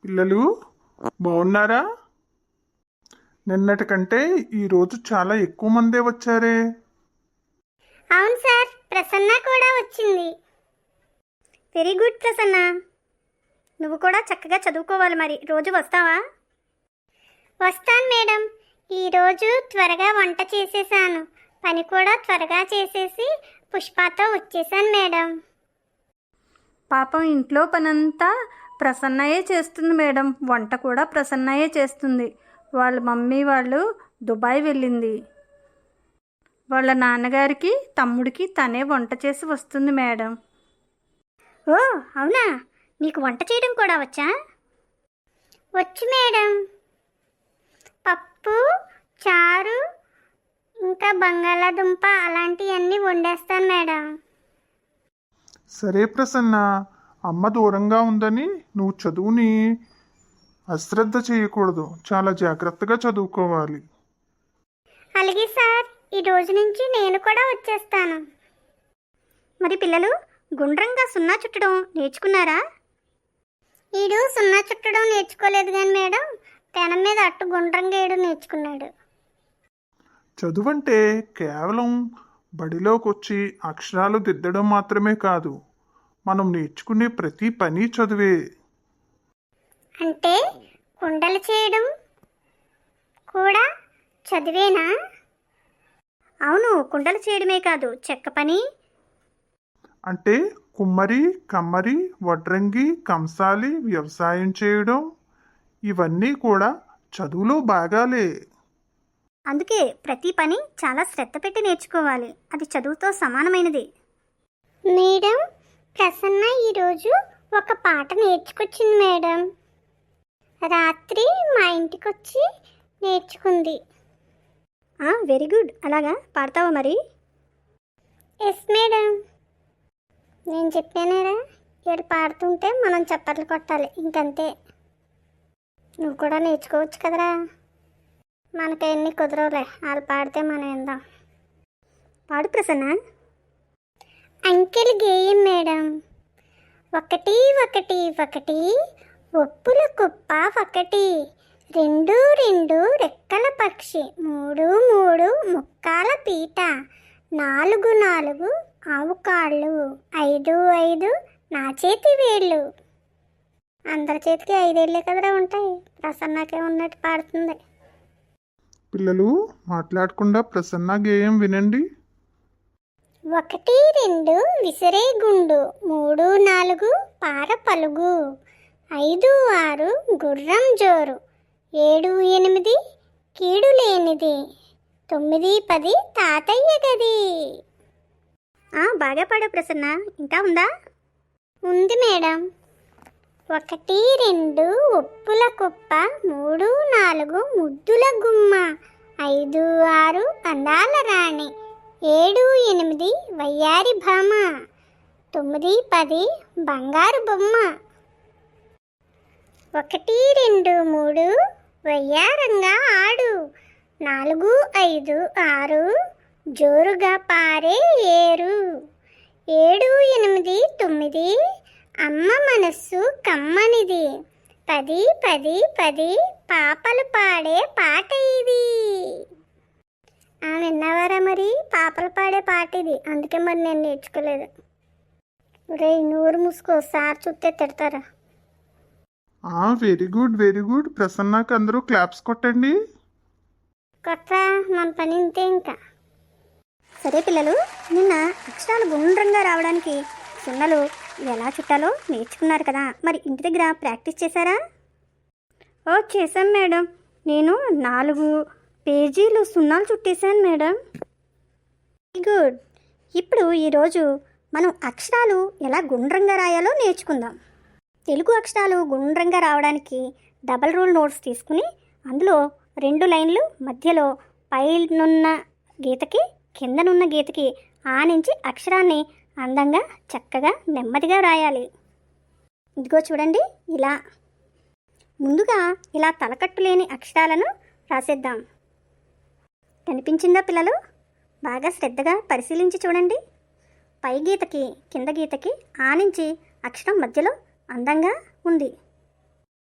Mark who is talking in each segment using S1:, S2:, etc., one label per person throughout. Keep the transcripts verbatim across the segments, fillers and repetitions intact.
S1: పిల్లలు బాగున్నారా? నిన్నటి కంటే ఈరోజు చాలా ఎక్కువ మందే వచ్చారే.
S2: అవును సార్, ప్రసన్న కూడా వచ్చింది. వెరీ గుడ్ ప్రసన్న, నువ్వు కూడా చక్కగా చదువుకోవాలి. మరి రోజు వస్తావా? వస్తాను మేడం. ఈరోజు త్వరగా వంట చేసేసాను, పని కూడా త్వరగా చేసేసి పుష్పతో వచ్చేసాను మేడం.
S3: పాపం ఇంట్లో పనంతా ప్రసన్నయే చేస్తుంది మేడం. వంట కూడా ప్రసన్నయే చేస్తుంది. వాళ్ళ మమ్మీ వాళ్ళు దుబాయ్ వెళ్ళింది. వాళ్ళ నాన్నగారికి తమ్ముడికి తనే వంట చేసి వస్తుంది మేడం.
S2: ఓ అవునా, నీకు వంట చేయడం కూడా వచ్చా? వచ్చు మేడం. పప్పు, చారు, ఇంకా బంగాళాదుంప అలాంటివన్నీ వండేస్తాను మేడం.
S1: సరే ప్రసన్న, అమ్మ దూరంగా ఉందని నువ్వు చదువుని అశ్రద్ధ చేయకూడదు. చాలా జాగ్రత్తగా చదువుకోవాలి.
S2: అలాగే సార్, ఈ రోజు నుంచి నేను కూడా వచ్చేస్తాను. మరి పిల్లలు గుండ్రంగా సున్నా చుట్టడం నేర్చుకున్నారా? ఈడు సున్నా చుట్టడం నేర్చుకోలేదు కానీ మేడం, పెనం మీద అట్టు గుండ్రంగా వేయడం నేర్చుకున్నాడు.
S1: చదువు అంటే కేవలం బడిలోకి వచ్చి అక్షరాలు దిద్దడం మాత్రమే కాదు, మనం నేర్చుకునే ప్రతి పని చదువే.
S2: అంటే కుండలు చేయడం కూడా చదివేనా? అవును, కుండలు చేయడమే కాదు, చెక్క పని
S1: అంటే కుమ్మరి, కమ్మరి, వడ్రంగి, కంసాలి, వ్యవసాయం చేయడం, ఇవన్నీ కూడా చదువులో భాగాలే.
S2: అందుకే ప్రతి పని చాలా శ్రద్ధ పెట్టి నేర్చుకోవాలి. అది చదువుతో సమానమైనది. మేడం, ప్రసన్న ఈరోజు ఒక పాట నేర్చుకొచ్చింది మేడం. రాత్రి మా ఇంటికి వచ్చి నేర్చుకుంది. Very good. అలాగా పాడతావా మరి? Yes madam. నేను చెప్పానేరా, ఏడు పాడుతుంటే మనం చప్పట్లు కొట్టాలి, ఇంకంతే. నువ్వు కూడా నేర్చుకోవచ్చు కదరా. మనకెన్ని కుదరవులే, వాళ్ళు పాడితే మనం విందాం. పాడు ప్రసన్న. అంకెల్ గేయం మేడం. ఒకటి ఒకటి ఒకటి ఒప్పుల కుప్ప ఒకటి, రెండు రెండు రెక్కల పక్షి, మూడు మూడు ముక్కాల పీట, నాలుగు నాలుగు ఆవు కాళ్ళు, ఐదు ఐదు నా చేతి వేళ్ళు. అందరి చేతికి ఐదేళ్ళే కదరా ఉంటాయి, ప్రసన్నకే ఉన్నట్టు పాడుతుంది.
S1: పిల్లలు మాట్లాడకుండా ప్రసన్న గేయం వినండి.
S2: ఒకటి రెండు విసిరే గుండు, మూడు నాలుగు పార పలుగు, ఐదు ఆరు గుర్రం జోరు, ఏడు ఎనిమిది కీడు లేనిది, తొమ్మిది పది తాతయ్య గది. బాగా పాడా ప్రసన్న. ఇంకా ఉందా? ఉంది మేడం. ఒకటి రెండు ఉప్పుల కుప్ప, మూడు నాలుగు ముద్దుల గుమ్మ, ఐదు ఆరు అందాల రాణి, ఏడు ఎనిమిది వయ్యారి భామ, తొమ్మిది పది బంగారు బొమ్మ. ఒకటి రెండు మూడు వయ్యారంగా ఆడు, నాలుగు ఐదు ఆరు జోరుగా పారే ఏరు, ఏడు ఎనిమిది తొమ్మిది అమ్మ మనస్సు కమ్మనిది, పది పది పది పాపలు పాడే పాట ఇది. విన్నావారా మరి? పాపలు పాడే పాట ఇది. అందుకే మరి నేను నేర్చుకోలేదు. రే నూరు మూసుకో, సార్ చూస్తే తిడతారా.
S1: Very good very good. ప్రసన్నకు అందరూ క్లాప్స్ కొట్టండి.
S2: కొత్త మన పని ఇంతే ఇంకా. సరే పిల్లలు, నిన్న అక్షరాలు గుండ్రంగా రావడానికి సున్నలు ఎలా చుట్టాలో నేర్చుకున్నారు కదా. మరి ఇంటి దగ్గర ప్రాక్టీస్ చేశారా?
S3: ఓ చేశాం మేడం. నేను నాలుగు పేజీలు సున్నాలు చుట్టేశాను మేడం.
S2: గుడ్. ఇప్పుడు ఈరోజు మనం అక్షరాలు ఎలా గుండ్రంగా రాయాలో నేర్చుకుందాం. తెలుగు అక్షరాలు గుండ్రంగా రావడానికి డబల్ రూల్ నోట్స్ తీసుకుని అందులో రెండు లైన్లు మధ్యలో పైనున్న గీతకి కిందనున్న గీతకి ఆనించి అక్షరాన్ని అందంగా చక్కగా నెమ్మదిగా రాయాలి. ఇదిగో చూడండి, ఇలా ముందుగా ఇలా తలకట్టు లేని అక్షరాలను రాసేద్దాం. కనిపించిందా పిల్లలు? బాగా శ్రద్ధగా పరిశీలించి చూడండి. పై గీతకి కింద గీతకి ఆనించి అక్షరం మధ్యలో అందంగా ఉంది.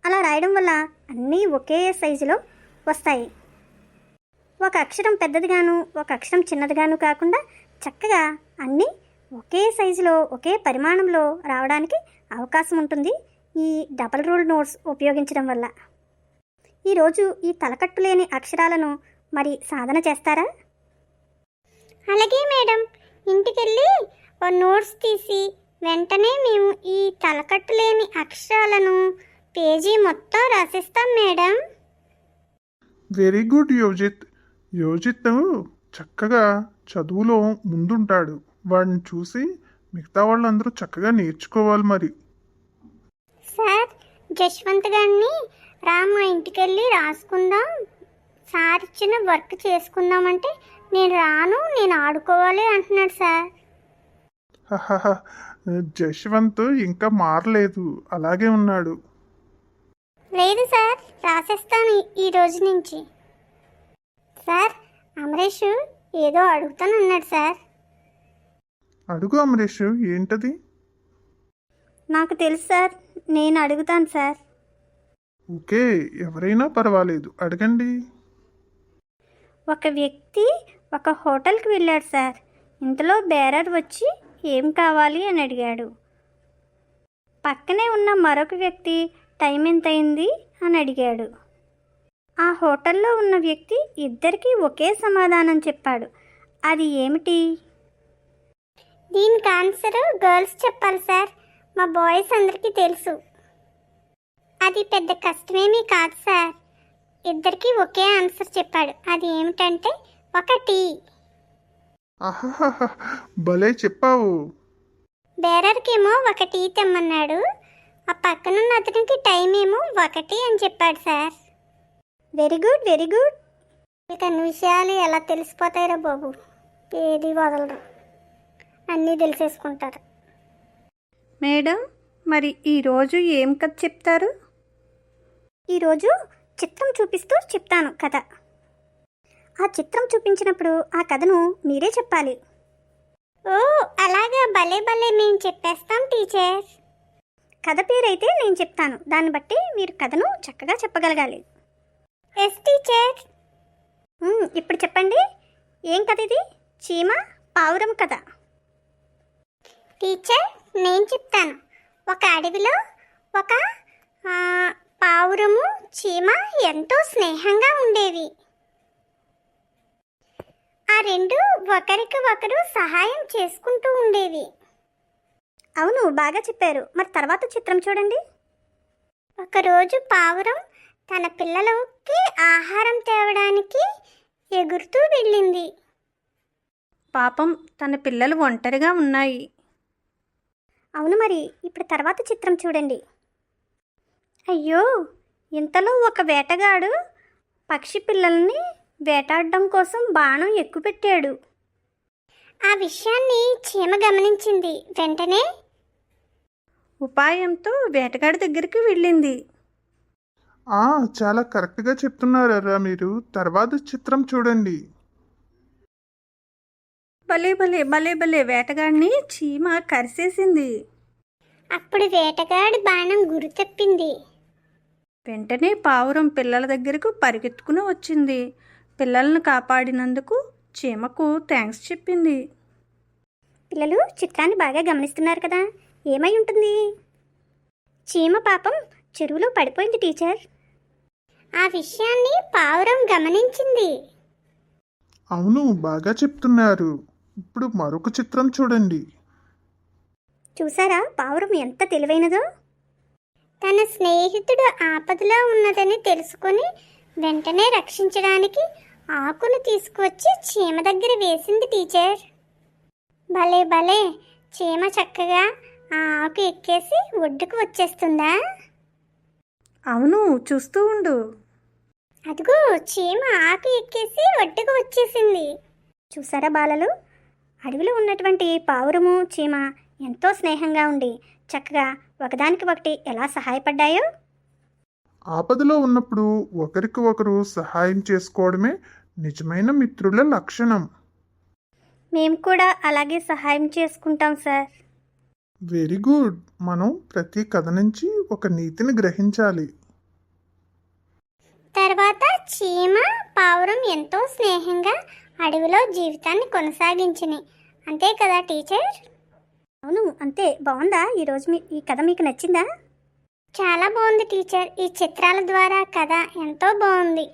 S2: అలా రాయడం వల్ల అన్నీ ఒకే సైజులో వస్తాయి. ఒక అక్షరం పెద్దదిగాను ఒక అక్షరం చిన్నదిగాను కాకుండా చక్కగా అన్నీ ఒకే సైజులో ఒకే పరిమాణంలో రావడానికి అవకాశం ఉంటుంది ఈ డబల్ రూల్ నోట్స్ ఉపయోగించడం వల్ల. ఈరోజు ఈ తలకట్టు లేని అక్షరాలను మరి సాధన చేస్తారా? అలాగే మేడం, ఇంటికెళ్ళి ఓ నోట్స్ తీసి వెంటనే మేము ఈ తలకట్టు లేని అక్షరాలను పేజీ మొత్తం రాసిస్తాం madam.
S1: Very good Yojith. Yojith చక్కగా చదువులో ముందుంటాడు. వాడిని చూసి మిగతా వాళ్ళందరూ చక్కగా నేర్చుకోవాలి మరి.
S2: సార్, జశ్వంత్ గారిని రా మా ఇంటికెళ్ళి రాసుకుందాం, సార్ ఇచ్చిన వర్క్ చేసుకుందామంటే నేను రాను, నేను ఆడుకోవాలి అంటున్నాడు సార్.
S1: హహహ, జశ్వంత్ ఇంకా మారలేదు, అలాగే ఉన్నాడు.
S2: లేదు సార్, రాసేస్తాను ఈ రోజు నుంచి. సార్, అమరేష్ ఏదో అడుగుతానన్నాడు సార్.
S1: అడుగు అమరేష్, ఏంటది?
S3: నాకు తెలుసు సార్, నేను అడుగుతాను సార్.
S1: ఓకే, ఎవరైనా పర్వాలేదు, అడగండి.
S3: ఒక వ్యక్తి ఒక హోటల్కి వెళ్ళాడు సార్. ఇంతలో బేరర్ వచ్చి ఏం కావాలి అని అడిగాడు. పక్కనే ఉన్న మరొక వ్యక్తి టైం ఎంత అయింది అని అడిగాడు. ఆ హోటల్లో ఉన్న వ్యక్తి ఇద్దరికీ ఒకే సమాధానం చెప్పాడు. అది ఏమిటి?
S2: దీనికి ఆన్సర్ గర్ల్స్ చెప్పాలి సార్, మా బాయ్స్ అందరికీ తెలుసు. అది పెద్ద కష్టమేమీ కాదు సార్. ఇద్దరికి ఒకే ఆన్సర్ చెప్పాడు. అది ఏమిటంటే ఒకటి.
S1: ఆహాహా, భలే చెప్పావు.
S2: బేరర్కేమో ఒక టీ తెమ్మన్నాడు, ఆ పక్కనున్న అతనికి టైం ఏమో ఒకటి అని చెప్పాడు sir.
S3: Very good, very good.
S2: ఇక అన్ని విషయాలు ఎలా తెలిసిపోతాయిరా బాబు, ఏది వదలరు, అన్నీ తెలిసేసుకుంటారు.
S3: మేడం, మరి ఈరోజు ఏం కథ చెప్తారు?
S2: ఈరోజు చిత్రం చూపిస్తూ చెప్తాను కథ. ఆ చిత్రం చూపించినప్పుడు ఆ కథను మీరే చెప్పాలి. ఓ అలాగా, భలే భలే, మేము చెప్పేస్తాం టీచర్. కథ పేరైతే నేను చెప్తాను, దాన్ని బట్టి మీరు కథను చక్కగా చెప్పగలగాలి. Yes teacher. ఇప్పుడు చెప్పండి, ఏం కథ ఇది? చీమ పావురం కథ. టీచర్, నేను చెప్తాను. ఒక అడవిలో ఒక పావురము చీమ ఎంతో స్నేహంగా ఉండేవి. ఆ రెండు ఒకరికి ఒకరు సహాయం చేసుకుంటూ ఉండేవి. అవును, బాగా చెప్పారు. మరి తర్వాత చిత్రం చూడండి. ఒకరోజు పావురం తన పిల్లలకి ఆహారం తేవడానికి ఎగురుతూ వెళ్ళింది.
S3: పాపం, తన పిల్లలు ఒంటరిగా ఉన్నాయి.
S2: అవును, మరి ఇప్పుడు తర్వాత చిత్రం చూడండి.
S3: అయ్యో, ఇంతలో ఒక వేటగాడు పక్షి పిల్లల్ని వేటాడడం కోసం బాణం ఎక్కుపెట్టాడు.
S2: ఆ విషయాన్ని చీమ గమనించింది. వెంటనే
S3: ఉపాయంతో వేటగాడి దగ్గరికి వెళ్ళింది.
S1: ఆ చాలా కరెక్ట్గా చెప్తున్నారా మీరు. తర్వాత చిత్రం చూడండి.
S3: భలే భలే భలే భలే వేటగాడిని చీమ కరిసేసింది.
S2: అప్పుడు వేటగాడి బాణం గురి తప్పింది.
S3: వెంటనే పావురం పిల్లల దగ్గరకు పరిగెత్తుకుని వచ్చింది. పిల్లలను కాపాడినందుకు చీమకు థ్యాంక్స్ చెప్పింది.
S2: పిల్లలు చిత్రాన్ని బాగా గమనిస్తున్నారు కదా, ఏమై ఉంటుంది? చీమ పాపం చెరువులో పడిపోయింది టీచర్. ఆ విషయాన్ని పావురం గమనించింది.
S1: అవును, బాగా చెప్తున్నారు. ఇప్పుడు మరొక చిత్రం చూడండి.
S2: చూసారా పావురం ఎంత తెలివైనదో? తన స్నేహితుడు ఆపదలో ఉన్నదని తెలుసుకొని వెంటనే రక్షించడానికి ఆకును తీసుకువచ్చి చీమ దగ్గర వేసింది టీచర్. భలే భలే, చీమ చక్కగా ఆ ఆకు ఎక్కేసి ఒడ్డుకు వచ్చేస్తుందా?
S3: అవును, చూస్తూ ఉండు.
S2: అదిగో చీమ ఆకు ఎక్కేసి ఒడ్డుకు వచ్చేసింది. చూసారా బాలలు, అడవిలో ఉన్నటువంటి పావురము చీమ ఎంతో స్నేహంగా ఉండి చక్కగా ఒకదానికి ఒకటి ఎలా సహాయపడ్డాయో.
S1: ఆపదలో ఉన్నప్పుడు ఒకరికి ఒకరు సహాయం చేసుకోవడమే నిజమైన మిత్రుల లక్షణం.
S2: మేము కూడా అలాగే సహాయం చేసుకుంటాం సార్.
S1: Very good. మనం ప్రతి కథ నుంచి ఒక నీతిని గ్రహించాలి.
S2: తర్వాత చీమ పావురం ఎంతో స్నేహంగా అడవిలో జీవితాన్ని కొనసాగించినాయి. అంతే కదా టీచర్?
S3: అవును, అంతే. బాగుందా ఈరోజు మీ ఈ కథ మీకు నచ్చిందా?
S2: చాలా బాగుంది టీచర్. ఈ చిత్రాల ద్వారా కథ ఎంతో బాగుంది.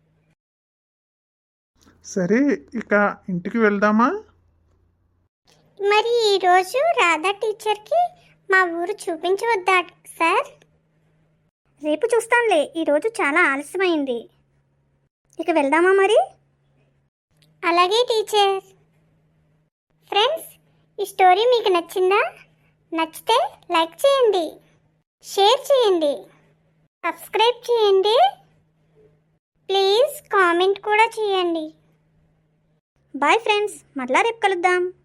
S1: సరే, ఇక ఇంటికి వెళ్దామా?
S2: మరి ఈరోజు రాధా టీచర్కి మా ఊరు చూపించవద్దా సార్?
S3: రేపు చూస్తానులే, ఈరోజు చాలా ఆలస్యమైంది. ఇక వెళ్దామా మరి?
S2: అలాగే టీచర్. ఫ్రెండ్స్, ఈ స్టోరీ మీకు నచ్చిందా? నచ్చితే లైక్ చేయండి, షేర్ చేయండి, సబ్స్క్రైబ్ చేయండి, ప్లీజ్ కామెంట్ కూడా చేయండి.
S3: బాయ్ ఫ్రెండ్స్, మరలా రేపు కలుద్దాం.